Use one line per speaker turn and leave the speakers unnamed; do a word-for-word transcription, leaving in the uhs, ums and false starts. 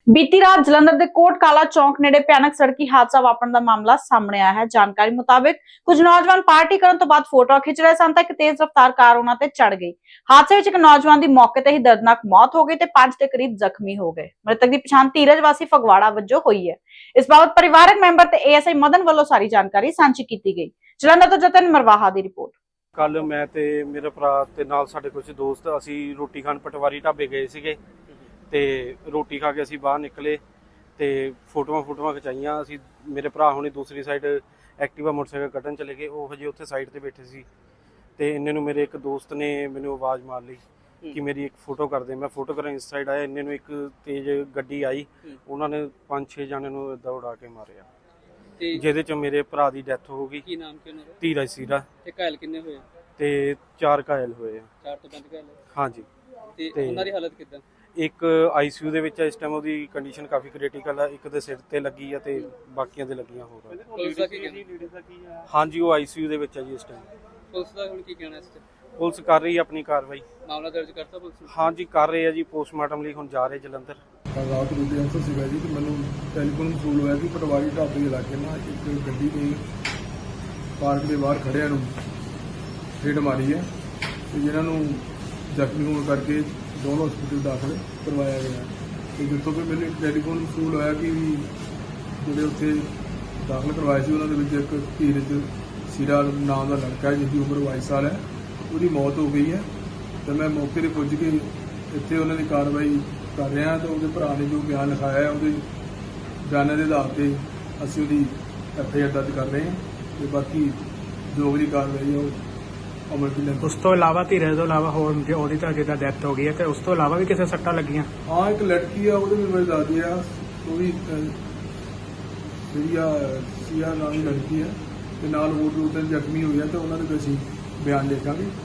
बीती रात जलंधर के कोट काला चौक नेड़े भयानक सड़की हादसा वापरन का मामला सामने आया है। जानकारी मुताबिक कुछ नौजवान पार्टी करने तो बाद फोटो खिंच रहे सन तक तेज रफ्तार कार उन्हां ते चढ़ गई। हादसे विच एक नौजवान की मौके ते ही दर्दनाक मौत हो गई ते पांच के करीब जख्मी हो गए। मृतक की पछाण धीरज वासी फगवाड़ा वजों हुई है। इस बाबत परिवारक मैंबर ते एएसआई मदन वालों सारी जानकारी सांझी की गई। जलंधर तो जतन मरवाहा की रिपोर्ट।
कल मैं ते मेरे भरा ते नाल साडे कुछ दोस्त असी रोटी खान पटवारी ढाबे गए सीगे ते रोटी खा के असी बाहर निकले ते फोटोआं फोटोआं खिचाइयां। असी मेरे भरा हुणे दूसरी साइड एक्टिवा मोटरसाइकिल कड्ढन चले गए। वो हजे उत्थे साइड ते बैठे सी ते इन्ने नूं मेरे एक दोस्त ने मैनूं आवाज़ मार ली कि मेरी एक फोटो कर दे। मैं फोटो करन इस साइड आया, इन्ने नूं एक तेज गड्डी आई, उन्होंने पांच छे जाने नूं इदां उड़ा के मारिया ਜਿਹਦੇ ਚ ਮੇਰੇ ਭਰਾ ਦੀ ਡੈਥ ਹੋ ਗਈ।
ਕੀ ਨਾਮ ਕੀ ਉਹਨਾਂ ਦਾ?
ਧੀਰਜ ਸੀਰਾ।
ਤੇ ਘਾਇਲ ਕਿੰਨੇ ਹੋਏ?
ਤੇ ਚਾਰ ਘਾਇਲ ਹੋਏ ਆ।
ਚਾਰ ਤੋਂ ਪੰਜ ਘਾਇਲ?
ਹਾਂਜੀ।
ਤੇ ਉਹਨਾਂ ਦੀ ਹਾਲਤ ਕਿੱਦਾਂ?
ਇੱਕ ਆਈਸੀਯੂ ਦੇ ਵਿੱਚ ਇਸ ਟਾਈਮ ਉਹਦੀ ਕੰਡੀਸ਼ਨ ਕਾਫੀ ਕ੍ਰਿਟੀਕਲ ਆ। ਇੱਕ ਦੇ ਸਿਰ ਤੇ ਲੱਗੀ ਆ ਤੇ ਬਾਕੀਆਂ ਦੇ ਲੱਗੀਆਂ ਹੋਰ।
ਪੁਲਿਸ ਦਾ ਕੀ ਕਹਿਣਾ?
ਹਾਂਜੀ, ਉਹ ਆਈਸੀਯੂ ਦੇ ਵਿੱਚ ਆ ਜੀ ਇਸ ਟਾਈਮ।
ਪੁਲਿਸ ਦਾ ਹੁਣ ਕੀ ਕਹਿਣਾ ਇਸ ਤੇ?
ਪੁਲਿਸ ਕਰ ਰਹੀ ਹੈ ਆਪਣੀ ਕਾਰਵਾਈ।
ਮਾਮਲਾ ਦਰਜ ਕਰਤਾ ਪੁਲਿਸ ਨੇ?
ਹਾਂਜੀ ਕਰ ਰਹੇ ਆ ਜੀ, ਪੋਸਟਮਾਰਟਮ ਲਈ ਹੁਣ ਜਾ ਰਹੇ ਜਲੰਧਰ।
ਰਾਤ ਨੂੰ ਐਂਸਰ ਸੀਗਾ ਜੀ ਤੇ ਮੈਨੂੰ ਟੈਲੀਫੋਨ ਵਸੂਲ ਹੋਇਆ ਕਿ ਪਟਵਾਰੀ ਢਾਬੇ ਇਲਾਕੇ ਨਾਲ ਇੱਕ ਗੱਡੀ ਨੇ ਪਾਰਕ ਦੇ ਬਾਹਰ ਖੜਿਆਂ ਨੂੰ ਹਿੱਟ ਮਾਰੀ ਹੈ ਤੇ ਜਿਨ੍ਹਾਂ ਨੂੰ ਜ਼ਖਮੀ ਹੋਣ ਕਰਕੇ ਦੋਨੋਂ ਹਸਪਤਾਲ ਦਾਖਲ ਕਰਵਾਇਆ ਗਿਆ। ਤੇ ਜਿੱਥੋਂ ਕਿ ਮੈਨੂੰ ਟੈਲੀਫੋਨ ਵਸੂਲ ਹੋਇਆ ਕਿ ਜਿਹੜੇ ਉੱਥੇ ਦਾਖਲ ਕਰਵਾਏ ਸੀ ਉਹਨਾਂ ਦੇ ਵਿੱਚ ਇੱਕ ਧੀਰਜ ਸੀਰਾ ਨਾਮ ਦਾ ਲੜਕਾ ਜਿਸ ਦੀ ਉਮਰ ਬਾਈ ਸਾਲ ਹੈ, ਉਹਦੀ ਮੌਤ ਹੋ ਗਈ ਹੈ। ਤੇ ਮੈਂ ਮੌਕੇ 'ਤੇ ਪੁੱਜ ਕੇ ਇੱਥੇ ਉਹਨਾਂ ਦੀ ਕਾਰਵਾਈ ਕਰ ਰਹੇ ਹਾਂ। ਤਾਂ ਉਹਦੇ ਭਰਾ ਨੇ ਜੋ ਬਿਆਨ ਲਿਖਾਇਆ ਹੈ ਉਹਦੇ ਬਿਆਨਾਂ ਦੇ ਆਧਾਰ 'ਤੇ ਅਸੀਂ ਉਹਦੀ ਐਫ ਆਈ ਆਰ ਦਰਜ ਕਰ ਰਹੇ ਹਾਂ ਤੇ ਬਾਕੀ ਜੋ ਵੀ ਕਾਰਵਾਈ ਹੈ ਉਹ ਅਮਲ ਵਿੱਚ ਲਿਆਂਦੀ।
ਉਸ ਤੋਂ ਇਲਾਵਾ ਧੀਰਜ ਤੋਂ ਇਲਾਵਾ ਹੋਰ ਉਹਦੀ ਤਾਂ ਜਿੱਦਾਂ ਡੈਥ ਹੋ ਗਈ ਹੈ ਤੇ ਉਸ ਤੋਂ ਇਲਾਵਾ ਵੀ ਕਿਸੇ ਸੱਟਾਂ ਲੱਗੀਆਂ?
ਹਾਂ, ਇੱਕ ਲੜਕੀ ਆ ਉਹਦੇ ਵੀ ਮੇਰੇ ਦਾਦੀ ਆ, ਉਹ ਵੀ ਜਿਹੜੀ ਆ ਸੀਆ ਨਾਮ ਦੀ ਲੜਕੀ ਹੈ ਤੇ ਨਾਲ ਹੋਰ ਦੋ ਤਿੰਨ ਜ਼ਖਮੀ ਹੋਏ ਆ ਤੇ ਉਹਨਾਂ ਦੇ ਵੀ ਅਸੀਂ ਬਿਆਨ ਲਿਖਾਂਗੇ।